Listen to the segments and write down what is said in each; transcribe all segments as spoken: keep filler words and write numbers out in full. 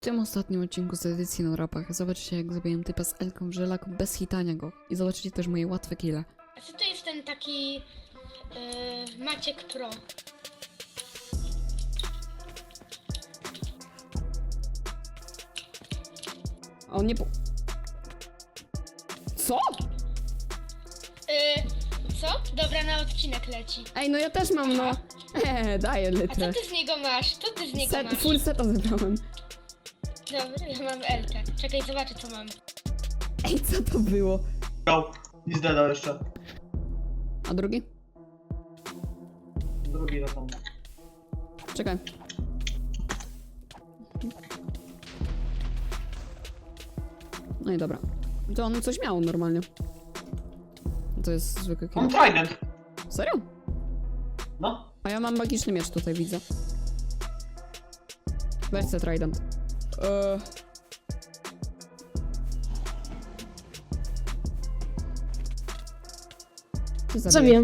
W tym ostatnim odcinku z edycji na rapach zobaczycie, jak zabiłem typa z Elką w żelaku bez hitania go. I zobaczycie też moje łatwe kille. A co to jest ten taki yy, Maciek Pro? A on nie po... Co? Yy, co? Dobra, na odcinek leci. Ej, no ja też mam, no. Eee, daję A co litrę. ty z niego masz? Co ty z niego Set, masz? full seta zebrałem. Dobra, ja mam Elkę. Czekaj, zobaczę co mam. Ej, co to było? Go. I zdedał jeszcze. A drugi? Drugi na tam. Czekaj. No i dobra. To on coś miał normalnie. To jest zwykły kill. Mam trident. Serio? No. A ja mam magiczny miecz tutaj, widzę. Weź se trident. Eee... Ty zabijesz. Zabiję.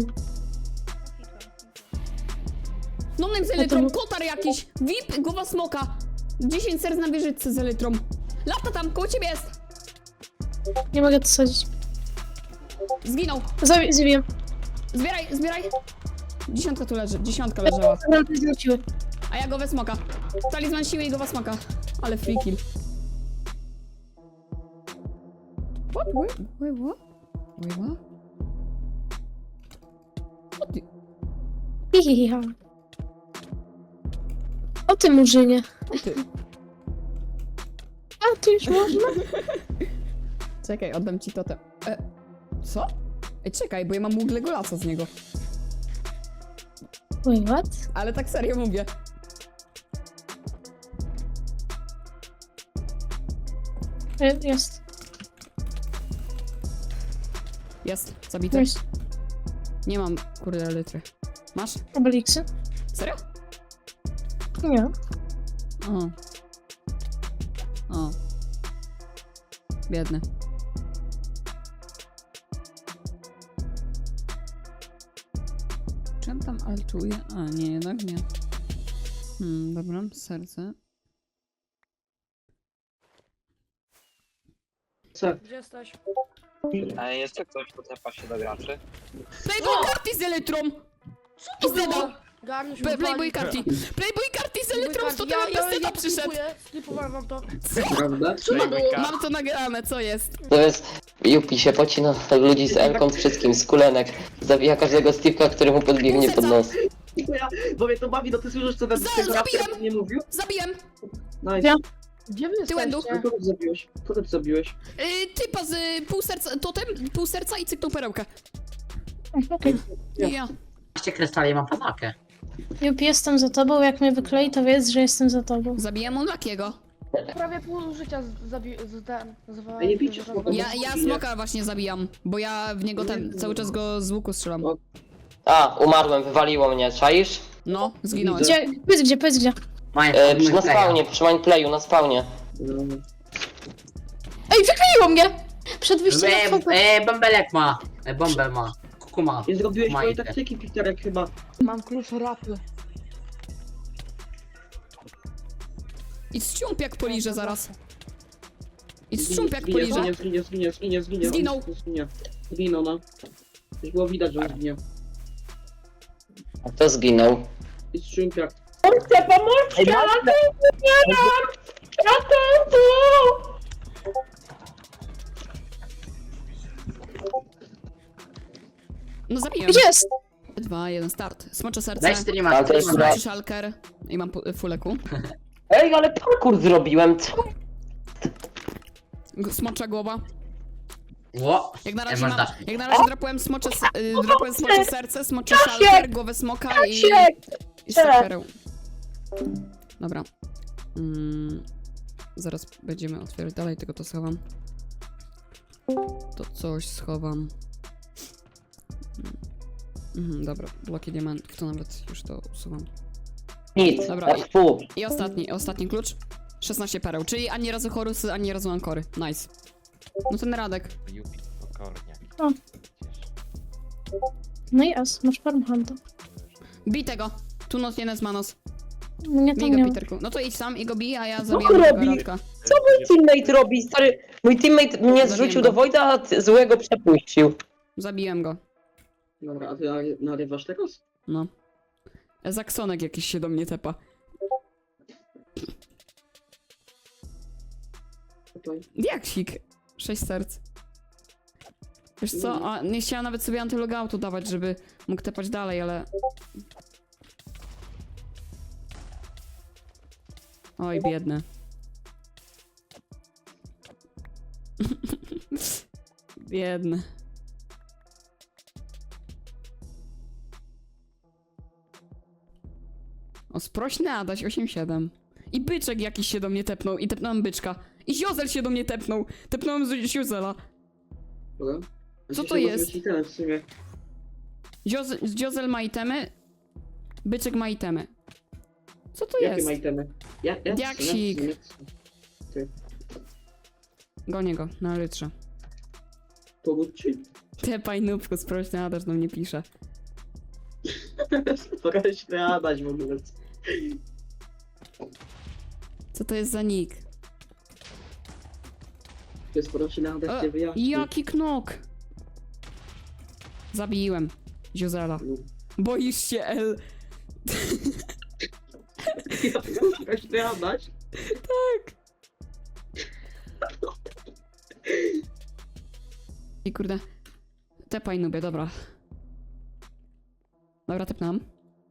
No nem z elytrą, kotar jakiś! V I P, głowa smoka! dziesięć serc na wieżyczce z elytrą. Lata tam, koło ciebie jest! Nie mogę to sadzić. Zginął! Zabi zabiję. Zbieraj, zbieraj! Dziesiątka tu leży, dziesiątka leżała. Granty zwróciły. A ja go we smoka. Talizman siły i go we smoka. Ale free kill. What? Wait, wait, what? Wait, what? What the... Hihihiha. O ty murzynie. O ty. A, tu już można? Czekaj, oddam ci totem. E, co? Ej, czekaj, bo ja mam Google Golasa z niego. Wait, what? Ale tak serio mówię. Je- Jest. Jest, zabity. Jest. Nie mam, kurde, litry. Masz? Obeliksy? Serio? Nie. O. O. Biedny. Czym tam altuje? A, nie, jednak nie. Hmm, dobra, serce. Co? Gdzie jesteś? A jeszcze ktoś pocepa się do graczy? Playboy karty z elytrą! I zdedał! Garnisz Play- Playboy karty! Playboy karty z elytrą! To ja, ten ja, bez ja, seta przyszedł! skipuję, skipowałem wam to. Prawda? Mam to nagrane, co jest? To jest, Yupi się pocina ludzi z Elką, z wszystkim, z kulenek. Zabija każdego Steve'ka, który mu podbiegnie pod nos. Bo ja, bo mnie to bawi, no ty słyszysz co ten Za- tego zabiłem! raptora nie mówił? Zabiłem! Nice. Ja. Gdzie wy Tyłędu. jesteście? Kogo ty zabiłeś? Kogo ty zabiłeś? Yy, typa z y, pół serca, totem, pół serca i cyknął perełkę. Okej. I ja. dwanaście krystali, mam panakę. Jup, jestem za tobą. Jak mnie wyklei, to wiedz, że jestem za tobą. Zabiłem Unluckiego. Prawie pół życia z- zabi... z ten... zwalałem. Ej, nie bijcie smoka. Ja, ja smoka właśnie zabijam, bo ja w niego ten, cały czas go z łuku strzelam. A, umarłem, wywaliło mnie, czaisz? No, zginąłem. Gdzie? Powiedz gdzie, powiedz gdzie. Mają E, przy, na spawnie, przy mindplayu, na spawnie. No. Ej, wykleiło mnie! Przed wyjściem na E, foto. e, bąbelek ma. E, bąbel ma. Kuku ma. Nie zrobiłeś mojej Majkę. taktyki, Piterek, chyba. Mam klucz rapy. I strząp jak poliże zaraz. I strząp jak Zginie, poliże. zginie, zginie, zginie, zginie, zginie. Zginął. On Zginie. Zginął, no. Już było widać, że on zginie. A kto zginął? I strzympiak. No zabiłem. Gdzie jest? Dwa, jeden, start. Smocze serce. Daj streama. Ale to jest streama. Smoczy szalker. I mam pu- fuleku. Ej, ale parkour zrobiłem, co? G- Smocza głowa. Ło. Jak na E, razie mam, można. jak na razie drapałem smocze, s- y, drapałem smocze serce, smoczy szalker, głowę smoka i... I stalkerę. Dobra. Mm, zaraz będziemy otwierać dalej, tylko to schowam. To coś schowam. Mhm, dobra, bloki diamentów, to nawet już to usuwam. Nic, Dobra, i- fu. I ostatni, ostatni klucz. szesnaście pereł, czyli ani razu chorusy, ani razu ankory. Nice. No ten Radek. Yupi, pokornie. O. No i as, masz farmhanta. Bij tego. Tu not jeden z manos. Mnie to Bij go, nie... Peterku. No to idź sam i go bij, a ja Co zabijam on tego robi? Radka. Co mój teammate robi, stary? Mój teammate mnie zrzucił do Wojda, a ty- złego przepuścił. Zabiłem go. Dobra, a ty nary- narywasz teraz? No. Zaksonek jakiś się do mnie tepa. Okej. Diaksik. Sześć serc. Wiesz co, a nie chciałam nawet sobie antylogoutu dawać, żeby mógł tepać dalej, ale... Oj, biedny. Biedny. O, sprośny Adaś, osiem siedem. I byczek jakiś się do mnie tepnął i tepnąłem byczka. I ziozel się do mnie tepnął. Tepnąłem z ziozela. Dobra. A Co się to się jest? może ten w sumie. Ziozel, ziozel ma itemy. Byczek ma itemy. Co to Jakie jest? ma itemy? Ja, ja, Diaksik. ja- ja- Gonię go, na lytrze. Pomóc ci? Tepaj nubku, sprośny Adaś do mnie pisze. Trochę śmiadać w ogóle. Co to jest za nick? To jest pora się nadać, E, nie wyjaśni. Jaki knok? Zabiłem. Ziozela. No. Boisz się, El. Trochę śmiadać? I kurde. Tepaj nubie, dobra. Dobra, tepnam.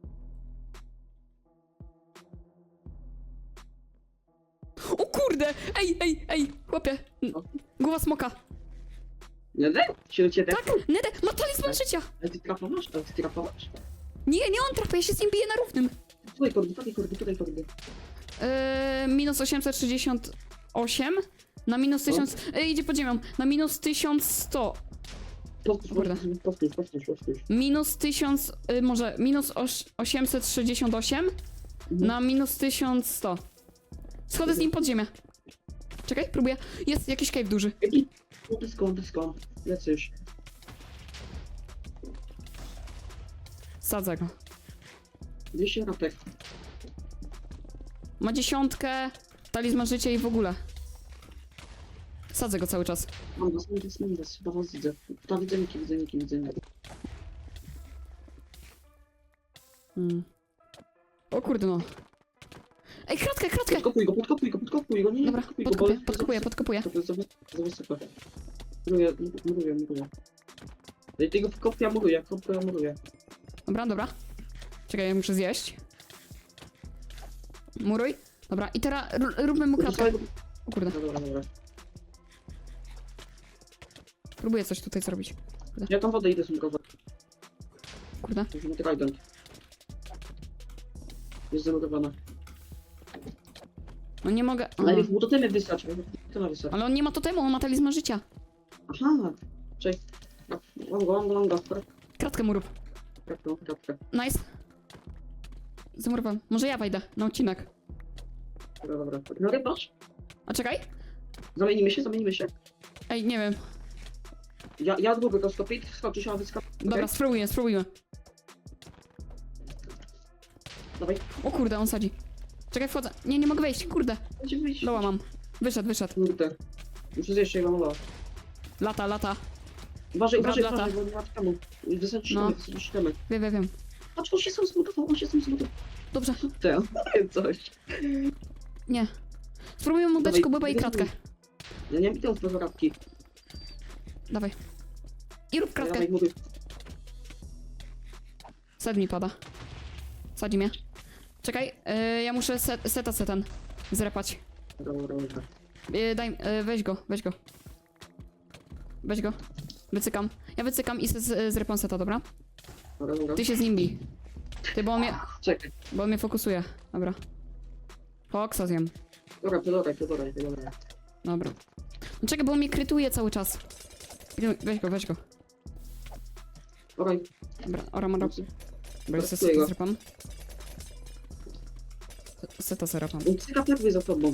O kurde! Ej, ej, ej! Chłopie! N- Głowa smoka! Nie, nie? Się cię Tak! Nede! Ma talizman życia! Ale ty trapowasz? Ale ty trapowasz? Nie, nie on trafia, ja się z nim biję na równym. Tutaj kordy, tutaj kordy, tutaj kordy. Yy, minus osiemset sześćdziesiąt osiem na minus tysiąc... Yy, idzie pod ziemią. Na minus tysiąc sto. Powtórz, Kurde. powtórz, powtórz, powtórz, powtórz. Minus tysiąc... Yy, może minus oś, osiemset sześćdziesiąt osiem na minus tysiąc sto. Schodzę z nim pod ziemię. Czekaj, próbuję. Jest jakiś cave duży. Ej, no blisko, blisko. Lecę już. Sadzę go. dwieście rapek. Ma dziesiątkę, talizman życia i w ogóle. Sadzę go cały czas. Mam was, mam was, mam was. Chyba was widzę. To widzę niki, widzę niki, widzę niki. Hmm. O kurde no. Ej, kratkę, kratkę! Podkopuj go, podkopuj go, podkopuj go, nie, nie, Dobra, podkopuj go, podkopuję, bo- podkopuję, podkopuję. To jest za, za wysoko. Muruję, muruję, muruję. Ej, tego kopia muruję, kopia muruję. Dobra, dobra. Czekaj, ja muszę zjeść. Muruj. Dobra, i teraz r- róbmy mu kratkę. O kurde, Dobra, dobra, dobra. próbuję coś tutaj zrobić. Ja tam wodę idę zmurować. Kurde. Musimy trident. Jest zamurowana. No nie mogę. Ale Aha. niech mu to temy wysłać, to ma wysłać. Ale on nie ma totemu, on ma talizman życia. Aha! Cześć. Mam go, mam go, mam go. Kratkę mu rób. Kratkę, kratkę. Nice. Zamurowałem. Może ja wejdę na odcinek. Dobra, dobra. No rybasz? A czekaj. Zamienimy się, zamienimy się. Ej, nie wiem. Ja, ja długo go stopię, skoczysz, a wyskoczysz. Dobra, spróbuję, spróbujmy. Dawaj. O kurde, on sadzi. Czekaj, wchodzę. Nie, nie mogę wejść, kurde. Będzie wyjść. Loła mam. Wyszedł, wyszedł. Kurde. Muszę zjeść jego mała. Lata, lata. Uważaj, Brat uważaj, lata. uważaj, bo nie ma temu. Wysadzisz No. temy, wysadzisz temy. Wiem, wiem, wiem. Patrz, on się sam zbudował, on się sam zbudował. Dobrze. Ten, coś. Nie. Spróbujmy mu dać Dawaj, kubybę i dawaj. kratkę. Ja nie widzę z radki. Dawaj. I rób kratkę. Dawaj, mówię. Set mi pada. Sadzi mnie. Czekaj, yy, ja muszę set, seta setan zrepać. Dobra, dobra, dobra. Yy, daj, yy, weź go, weź go. Weź go. Wycykam. Ja wycykam i z, z, zrepam seta, dobra? Dobra, dobra. Ty się z nim bij. Ty, bo on mnie, Czekaj. bo on mnie fokusuje. Dobra. Foxa zjem. Dobra, to dobra, to dobra, to dobra. Dobra. No czekaj, bo on mnie krytuje cały czas. Weź go, weź go. Dobra, Dobra, ora ma rob. Dobra, Pracuję seta go. zrepam. Seta zrepam. cyka perły za tobą.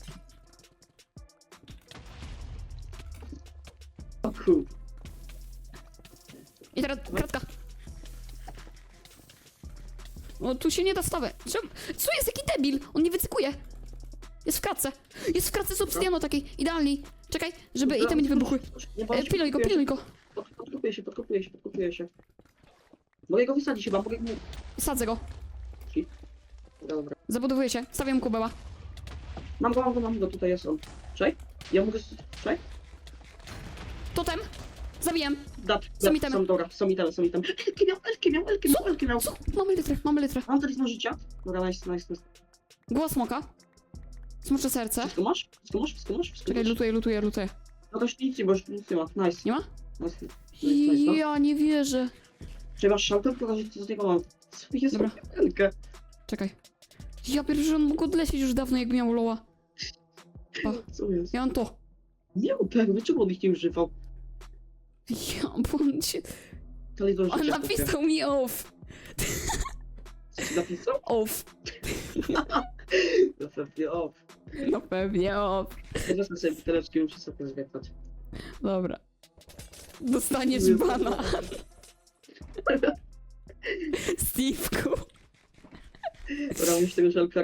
O kur... I teraz kratka. O, tu się nie da stawy. Czemu? Co jest? Jaki debil? On nie wycykuje. Jest w kratce. Jest w kratce z obsydianu takiej, idealnej. Czekaj, żeby itemy nie wybuchły. Nie E, bądź, piluj go, piluj go. Pod, podkopuję się, podkopuję się, podkopuję się. Mogę go wysadzić chyba, mogę go... Sadzę go. Dobra. Zabudowuję się. Stawiam kubeła. Mam go, mam go, mam go, tutaj jest on. Czekaj, ja mogę... Czekaj. Totem. Zabijam. Dat, Są dat, itemy. są, dobra, są itemy, są itemy. Elki miał, elki miał, elki miał, elki miał. Co? Mamy litrę, mamy litrę. Mam talizman życia. Dobra, nice, nice, nice. Głos smoka. Smocze serce. Wszystko masz? Wszystko masz? Wszystko masz? Wszystko Czekaj, masz? lutuję, lutuję, lutuję. No to już nic nie, bo już nic nie ma. Nice. Nie ma? Nice, nice, nice, no. Ja nie wierzę. Czy masz szalter? Pokażę ci, co z niego mam. Co jest Dobra. elkę? Czekaj. Ja pierwszy, że on mógł odlecieć już dawno, jakby miał loła. Co jest? Ja mam to. Nie był pewny, czemu on ich nie używał? Ja, bo on się... Talizman On życia. napisał mi off. Co ci napisał? Off. No pewnie, o. No pewnie off. Ja wezmę sobie buteleczki, muszę sobie zwiedzać. Dobra. Dostaniesz Jezu. bana. Steve'ku. Dobra, już tego żelka